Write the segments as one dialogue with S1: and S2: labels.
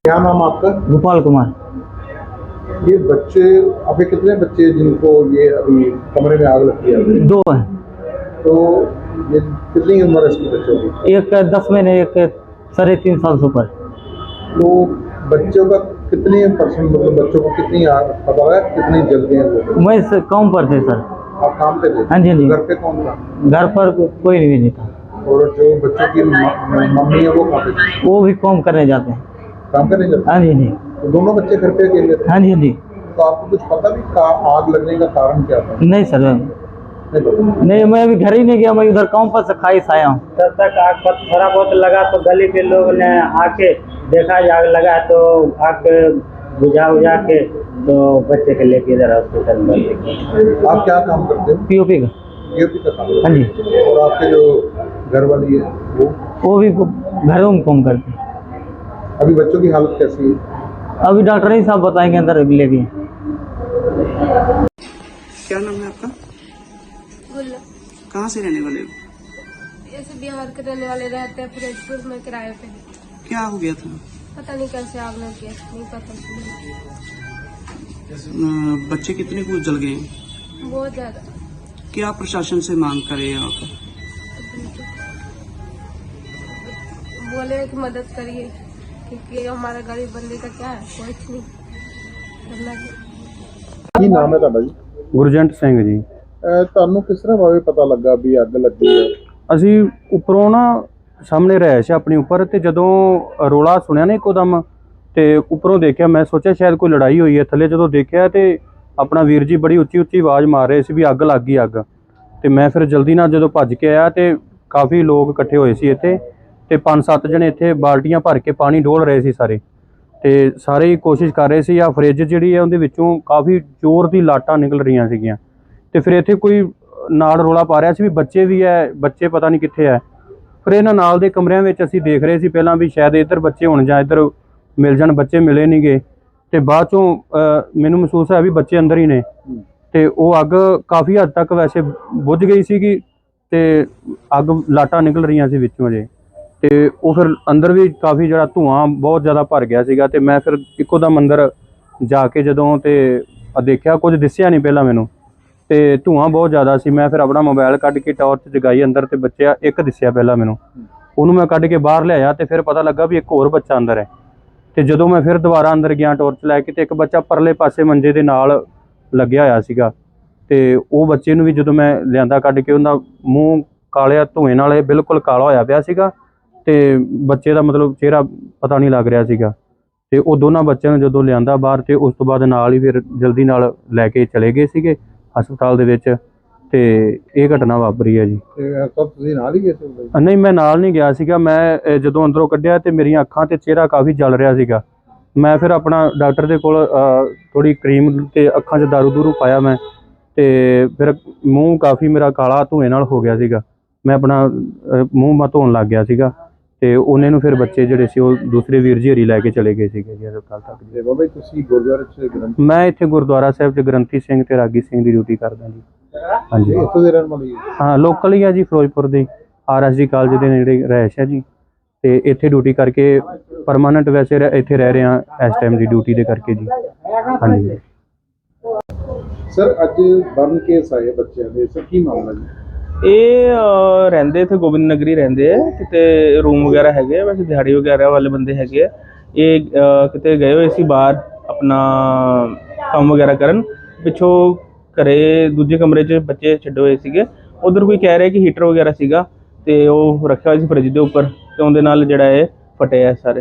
S1: क्या नाम आपका?
S2: गोपाल कुमार।
S1: ये बच्चे अभी कितने बच्चे जिनको ये अभी कमरे में आग लगती है?
S2: 2 हैं।
S1: तो ये कितनी उम्र है इसके बच्चों की?
S2: एक 10 महीने, एक 3.5 साल से ऊपर।
S1: तो बच्चों का कितनी परसेंट मतलब बच्चों को कितनी आग पता है कितनी जल गई है वो?
S2: मैं काम पर थे सर।
S1: आप काम पे थे?
S2: हाँ जी, हाँ जी।
S1: घर पे कौन था?
S2: घर पर कोई नहीं था।
S1: और जो बच्चों की मम्मी है वो कहाँ पे थी?
S2: वो भी काम करने जाते हैं।
S1: काम करने जाते?
S2: हाँ जी, हाँ जी।
S1: तो दोनों बच्चे घर पे अकेले थे?
S2: हाँ जी, हाँ जी।
S1: तो आपको कुछ पता भी आग लगने का कारण क्या था?
S2: नहीं सर,
S1: नहीं पता।
S2: नहीं, मैं अभी घर ही नहीं गया, मैं उधर काम पर से खाई से आया हूँ।
S3: तब तक आग पर थोड़ा बहुत लगा तो गली के लोग ने आके देखा आग लगा तो आग बुझा के तो बच्चे के लेके इधर हॉस्पिटल में।
S1: आप क्या काम करते हो?
S2: पीओपी का।
S1: पीओपी का काम?
S2: हाँ जी।
S1: और आपके जो घर वाली है
S2: वो भी घरों में काम करते हैं।
S1: अभी बच्चों की हालत कैसी है?
S2: अभी डॉक्टर ही साहब बताएंगे अंदर लेके।
S4: क्या नाम है आपका?
S5: गुल्ला।
S4: कहाँ से रहने वाले हो?
S5: ऐसे बिहार के रहने वाले रहते हैं, फिरोजपुर में किराए पे।
S4: क्या हो गया था?
S5: पता नहीं कैसे आग लग गया, नहीं पता।
S4: बच्चे कितने कुछ जल गए?
S5: बहुत ज्यादा।
S4: क्या प्रशासन से मांग करे आप?
S5: बोले कि मदद करिए क्योंकि हमारा गरीब बंदे का क्या है, कुछ नहीं करना है।
S1: ਕੀ ਨਾਮ ਹੈ ਤੁਹਾਡਾ ਜੀ?
S6: ਗੁਰਜੰਟ ਸਿੰਘ ਜੀ।
S1: ਤੁਹਾਨੂੰ ਕਿਸ ਤਰ੍ਹਾਂ ਭਾਵੇਂ ਪਤਾ ਲੱਗਾ ਵੀ ਅੱਗ ਲੱਗੀ ਹੈ?
S6: ਅਸੀਂ ਉੱਪਰੋਂ ਨਾ ਸਾਹਮਣੇ ਰਿਹਾਇਸ਼ ਆਪਣੀ ਉੱਪਰ ਤੇ ਜਦੋਂ ਰੋਲਾ ਸੁਣਿਆ ਨਾ ਇੱਕੋਦਮ ਤੇ ਉੱਪਰੋਂ ਦੇਖਿਆ, ਮੈਂ ਸੋਚਿਆ ਸ਼ਾਇਦ ਕੋਈ ਲੜਾਈ ਹੋਈ ਹੈ। ਥੱਲੇ ਜਦੋਂ ਦੇਖਿਆ ਤੇ ਆਪਣਾ ਵੀਰ ਜੀ ਬੜੀ ਉੱਚੀ ਉੱਚੀ ਆਵਾਜ਼ ਮਾਰ ਰਹੇ ਸੀ ਵੀ ਅੱਗ ਲੱਗ ਗਈ ਅੱਗ। ਤੇ ਮੈਂ ਫਿਰ ਜਲਦੀ ਨਾਲ ਜਦੋਂ ਭੱਜ ਕੇ ਆਇਆ ਤੇ ਕਾਫੀ ਲੋਕ ਇਕੱਠੇ ਹੋਏ ਸੀ ਇੱਥੇ ਤੇ 5-7 ਜਣੇ ਇੱਥੇ ਬਾਲਟੀਆਂ ਭਰ ਕੇ ਪਾਣੀ ਡੋਲ ਰਹੇ ਸੀ ਸਾਰੇ। ਤੇ ਸਾਰੇ ਹੀ ਕੋਸ਼ਿਸ਼ ਕਰ ਰਹੇ ਸੀ। ਆ ਫਰਿੱਜ ਜਿਹੜੀ ਹੈ ਉਹਦੇ ਵਿੱਚੋਂ ਕਾਫੀ ਜ਼ੋਰ ਦੀ ਲਾਟਾਂ ਨਿਕਲ ਰਹੀਆਂ ਸੀਗੀਆਂ ਤੇ ਫਿਰ ਇੱਥੇ ਕੋਈ ਨਾਲ ਰੋਲਾ ਪਾ ਰਿਹਾ ਸੀ ਵੀ ਬੱਚੇ ਵੀ ਹੈ, ਬੱਚੇ ਪਤਾ ਨਹੀਂ ਕਿੱਥੇ ਹੈ। ਫਿਰ ਇਹਨਾਂ ਨਾਲ ਦੇ ਕਮਰਿਆਂ ਵਿੱਚ ਅਸੀਂ ਦੇਖ ਰਹੇ ਸੀ ਪਹਿਲਾਂ ਵੀ ਸ਼ਾਇਦ ਇੱਧਰ ਬੱਚੇ ਹੋਣ ਜਾਂ ਇੱਧਰ ਮਿਲ ਜਾਣ, ਬੱਚੇ ਮਿਲੇ ਨਹੀਂ ਗੇ। ਤੇ ਬਾਅਦ ਚੋਂ ਮੈਨੂੰ ਮਹਿਸੂਸ ਹੈ ਵੀ ਬੱਚੇ ਅੰਦਰ ਹੀ ਨੇ ਤੇ ਉਹ ਅੱਗ ਕਾਫੀ ਹੱਦ ਤੱਕ ਵੈਸੇ ਬੁੱਝ ਗਈ ਸੀਗੀ ਤੇ ਅੱਗ ਲਾਟਾਂ ਨਿਕਲ ਰਹੀਆਂ ਸੀ ਵਿੱਚੋਂ ਜੇ। ਤੇ ਉਹ ਫਿਰ ਅੰਦਰ ਵੀ ਕਾਫੀ ਜਿਹੜਾ ਧੂਆਂ ਬਹੁਤ ਜ਼ਿਆਦਾ ਭਰ ਗਿਆ ਸੀਗਾ ਤੇ ਮੈਂ ਫਿਰ ਇੱਕੋ ਦਮ ਅੰਦਰ ਜਾ ਕੇ ਜਦੋਂ ਤੇ ਦੇਖਿਆ, ਕੁਝ ਦਿਸਿਆ ਨਹੀਂ ਪਹਿਲਾਂ ਮੈਨੂੰ ਤੇ ਧੂਆਂ ਬਹੁਤ ਜ਼ਿਆਦਾ ਸੀ। ਮੈਂ ਫਿਰ ਆਪਣਾ ਮੋਬਾਈਲ ਕੱਢ ਕੇ ਟਾਰਚ ਜਗਾਈ ਅੰਦਰ ਤੇ ਬੱਚਾ ਇੱਕ ਦਿਸਿਆ ਪਹਿਲਾਂ ਮੈਨੂੰ, ਉਹਨੂੰ ਮੈਂ ਕੱਢ ਕੇ ਬਾਹਰ ਲਿਆਇਆ ਤੇ ਫਿਰ ਪਤਾ ਲੱਗਾ ਵੀ ਇੱਕ ਹੋਰ ਬੱਚਾ ਅੰਦਰ ਹੈ। ਤੇ ਜਦੋਂ ਮੈਂ ਫਿਰ ਦੁਬਾਰਾ ਅੰਦਰ ਗਿਆ ਟਾਰਚ ਲੈ ਕੇ ਤੇ ਇੱਕ ਬੱਚਾ ਪਰਲੇ ਪਾਸੇ ਮੰਜੇ ਦੇ ਨਾਲ ਲੱਗਿਆ ਹੋਇਆ ਸੀਗਾ ਤੇ ਉਹ ਬੱਚੇ ਨੂੰ ਵੀ ਜਦੋਂ ਮੈਂ ਲਿਆਂਦਾ ਕੱਢ ਕੇ, ਉਹਦਾ ਮੂੰਹ ਕਾਲਿਆ ਧੂਏ ਨਾਲ ਇਹ ਬਿਲਕੁਲ ਕਾਲਾ ਹੋਇਆ ਪਿਆ ਸੀਗਾ ਤੇ ਬੱਚੇ ਦਾ ਮਤਲਬ ਚਿਹਰਾ ਪਤਾ ਨਹੀਂ ਲੱਗ ਰਿਹਾ ਸੀਗਾ। ਤੇ ਉਹ ਦੋਨਾਂ ਬੱਚਿਆਂ ਨੂੰ ਜਦੋਂ ਲਿਆਂਦਾ ਬਾਹਰ ਤੇ ਉਸ ਤੋਂ ਬਾਅਦ ਨਾਲ ਹੀ ਫਿਰ ਜਲਦੀ ਨਾਲ ਲੈ ਕੇ ਚਲੇ ਗਏ ਸੀਗੇ ਹਸਪਤਾਲ ਦੇ ਵਿੱਚ ਤੇ ਇਹ ਘਟਨਾ ਵਾਪਰੀ ਹੈ ਜੀ।
S1: ਸਭ ਤੁਸੀਂ ਨਾਲ ਹੀ ਗਏ ਸੀ?
S6: ਨਹੀਂ, ਮੈਂ ਨਾਲ ਨਹੀਂ ਗਿਆ ਸੀਗਾ। ਮੈਂ ਜਦੋਂ ਅੰਦਰੋਂ ਕੱਢਿਆ ਤੇ ਮੇਰੀਆਂ ਅੱਖਾਂ ਤੇ ਚਿਹਰਾ ਕਾਫੀ ਜਲ ਰਿਹਾ ਸੀਗਾ। ਮੈਂ ਫਿਰ ਆਪਣਾ ਡਾਕਟਰ ਦੇ ਕੋਲ ਥੋੜੀ ਕਰੀਮ ਤੇ ਅੱਖਾਂ 'ਚ ਦਾਰੂ ਦੂਰੂ ਪਾਇਆ ਮੈਂ ਤੇ ਫਿਰ ਮੂੰਹ ਕਾਫੀ ਮੇਰਾ ਕਾਲਾ ਧੂਏ ਨਾਲ ਹੋ ਗਿਆ ਸੀਗਾ। ਮੈਂ ਆਪਣਾ ਮੂੰਹ ਧੋਣ ਲੱਗ ਗਿਆ ਸੀਗਾ ਤੇ ਉਹਨੇ ਨੂੰ ਫਿਰ ਬੱਚੇ ਜਿਹੜੇ ਸੀ ਉਹ ਦੂਸਰੇ ਵੀਰ ਜੀ ਹਰੀ ਲੈ ਕੇ ਚਲੇ ਗਏ ਸੀਗੇ ਜੀ ਹਸਪਤਾਲ ਤੱਕ।
S1: ਤੇ ਬਾਬਾ ਜੀ ਤੁਸੀਂ ਗੁਰਦੁਆਰੇ 'ਚ ਗ੍ਰੰਥੀ?
S6: ਮੈਂ ਇੱਥੇ ਗੁਰਦੁਆਰਾ ਸਾਹਿਬ 'ਚ ਗ੍ਰੰਥੀ ਸਿੰਘ ਤੇ ਰਾਗੀ ਸਿੰਘ ਦੀ ਡਿਊਟੀ ਕਰਦਾ ਜੀ। ਹਾਂਜੀ,
S1: ਇੱਥੋਂ ਦੇ ਰਹਿਣ ਵਾਲੇ?
S6: ਹਾਂ, ਲੋਕਲ ਹੀ ਆ ਜੀ, ਫਿਰੋਜ਼ਪੁਰ ਦੇ RSD ਕਾਲਜ ਦੇ ਨੇੜੇ ਰਿਹਾਇਸ਼ ਹੈ ਜੀ ਤੇ ਇੱਥੇ ਡਿਊਟੀ ਕਰਕੇ ਪਰਮਾਨੈਂਟ ਵੈਸੇ ਇੱਥੇ ਰਹਿ ਰਹੇ ਹਾਂ ਇਸ ਟਾਈਮ ਦੀ ਡਿਊਟੀ ਦੇ ਕਰਕੇ ਜੀ। ਹਾਂਜੀ
S1: ਸਰ, ਅੱਜ ਬਰਨ ਕੇਸ ਆਏ ਬੱਚਿਆਂ ਦੇ, ਸਰ ਕੀ ਮਾਮਲਾ ਜੀ?
S7: ਇਹ ਰਹਿੰਦੇ ਇੱਥੇ ਗੋਬਿੰਦ ਨਗਰੀ ਰਹਿੰਦੇ ਆ, ਕਿਤੇ ਰੂਮ ਵਗੈਰਾ ਹੈਗੇ ਆ, ਵੈਸੇ ਦਿਹਾੜੀ ਵਗੈਰਾ ਵਾਲੇ ਬੰਦੇ ਹੈਗੇ ਆ। ਇਹ ਕਿਤੇ ਗਏ ਹੋਏ ਸੀ ਬਾਹਰ ਆਪਣਾ ਕੰਮ ਵਗੈਰਾ ਕਰਨ, ਪਿੱਛੋਂ ਘਰੇ ਦੂਜੇ ਕਮਰੇ 'ਚ ਬੱਚੇ ਛੱਡੇ ਹੋਏ ਸੀਗੇ। ਉਧਰ ਕੋਈ ਕਹਿ ਰਿਹਾ ਕਿ ਹੀਟਰ ਵਗੈਰਾ ਸੀਗਾ ਤੇ ਉਹ ਰੱਖਿਆ ਹੋਇਆ ਸੀ ਫਰਿੱਜ ਦੇ ਉੱਪਰ ਤੇ ਉਹਦੇ ਨਾਲ ਜਿਹੜਾ ਇਹ ਫਟੇ ਆ ਸਾਰੇ।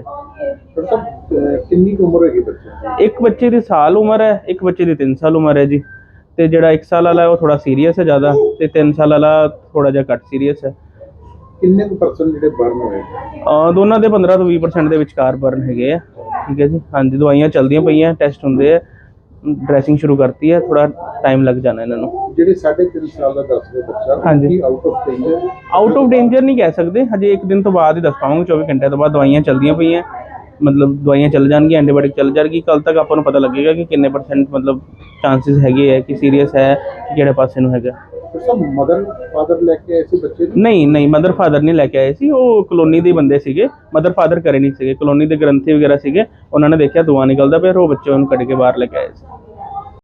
S1: ਕਿੰਨੀ ਉਮਰ ਹੈਗੀ ਬੱਚਿਆਂ ਦੀ?
S7: ਇੱਕ ਬੱਚੇ ਦੀ ਸਾਲ ਉਮਰ ਹੈ, ਇੱਕ ਬੱਚੇ ਦੀ 3 ਸਾਲ ਉਮਰ ਹੈ ਜੀ। ਤੇ ਜਿਹੜਾ 1 ਸਾਲ ਵਾਲਾ ਉਹ ਥੋੜਾ ਸੀਰੀਅਸ ਹੈ ਜ਼ਿਆਦਾ ਤੇ 3 ਸਾਲ ਵਾਲਾ ਥੋੜਾ ਜਿਹਾ ਘੱਟ ਸੀਰੀਅਸ ਹੈ।
S1: ਕਿੰਨੇ ਕੁ ਪਰਸੈਂਟ ਜਿਹੜੇ ਬਰਨ ਹੋਏ?
S7: ਦੋਨਾਂ ਦੇ 15 ਤੋਂ 20% ਦੇ ਵਿਚਕਾਰ ਬਰਨ ਹੈਗੇ ਆ। ਠੀਕ ਹੈ ਜੀ। ਹਾਂਜੀ, ਦਵਾਈਆਂ ਚੱਲਦੀਆਂ ਪਈਆਂ, ਟੈਸਟ ਹੁੰਦੇ ਆ, ਡਰੈਸਿੰਗ ਸ਼ੁਰੂ ਕਰਤੀ ਹੈ, ਥੋੜਾ ਟਾਈਮ ਲੱਗ ਜਾਣਾ ਇਹਨਾਂ ਨੂੰ।
S1: ਜਿਹੜੇ 3.5 ਸਾਲ ਦਾ ਦੱਸਦੇ ਬੱਚਾ,
S7: ਹਾਂਜੀ,
S1: out of danger?
S7: Out of danger ਨਹੀਂ ਕਹਿ ਸਕਦੇ, ਹਜੇ ਇੱਕ ਦਿਨ ਤੋਂ ਬਾਅਦ ਹੀ ਦੱਸ ਪਾਵਾਂਗੇ। 24 ਘੰਟੇ ਤੋਂ ਬਾਅਦ ਦਵਾਈਆਂ ਚੱਲਦੀਆਂ ਪਈਆਂ, ਮਤਲਬ ਦਵਾਈਆਂ ਚੱਲ ਜਾਣਗੀਆਂ, ਐਂਟੀਬਾਇਓਟਿਕ ਚੱਲ ਜਾਣਗੀ। ਕੱਲ ਤੱਕ ਆਪਾਂ ਨੂੰ ਪਤਾ ਲੱਗੇਗਾ ਕਿ ਕਿੰਨੇ % ਮਤਲਬ ਚਾਂਸਿਸ ਹੈਗੇ ਆ ਕਿ ਸੀਰੀਅਸ ਹੈ ਕਿ ਕਿਹੜੇ ਪਾਸੇ ਨੂੰ ਹੈਗਾ।
S1: तो सब मदर फादर लेके ऐसे बच्चे ने
S7: ਨਹੀਂ ਨਹੀਂ ਮਦਰ ਫਾਦਰ ਨਹੀਂ ਲੈ ਕੇ ਆਏ ਸੀ, ਉਹ ਕਲੋਨੀ ਦੇ ਬੰਦੇ ਸੀਗੇ, ਮਦਰ ਫਾਦਰ ਘਰੇ ਨਹੀਂ ਸੀਗੇ, ਕਲੋਨੀ ਦੇ ਗ੍ਰੰਥੀ ਵਗੈਰਾ ਸੀਗੇ, ਉਹਨਾਂ ਨੇ ਦੇਖਿਆ ਧੂੰਆਂ ਨਿਕਲਦਾ ਪਿਆ, ਫਿਰ ਉਹ ਬੱਚੇ ਉਹਨੂੰ ਕੱਢ ਕੇ ਬਾਹਰ ਲੈ ਕੇ ਆਏ ਸੀ।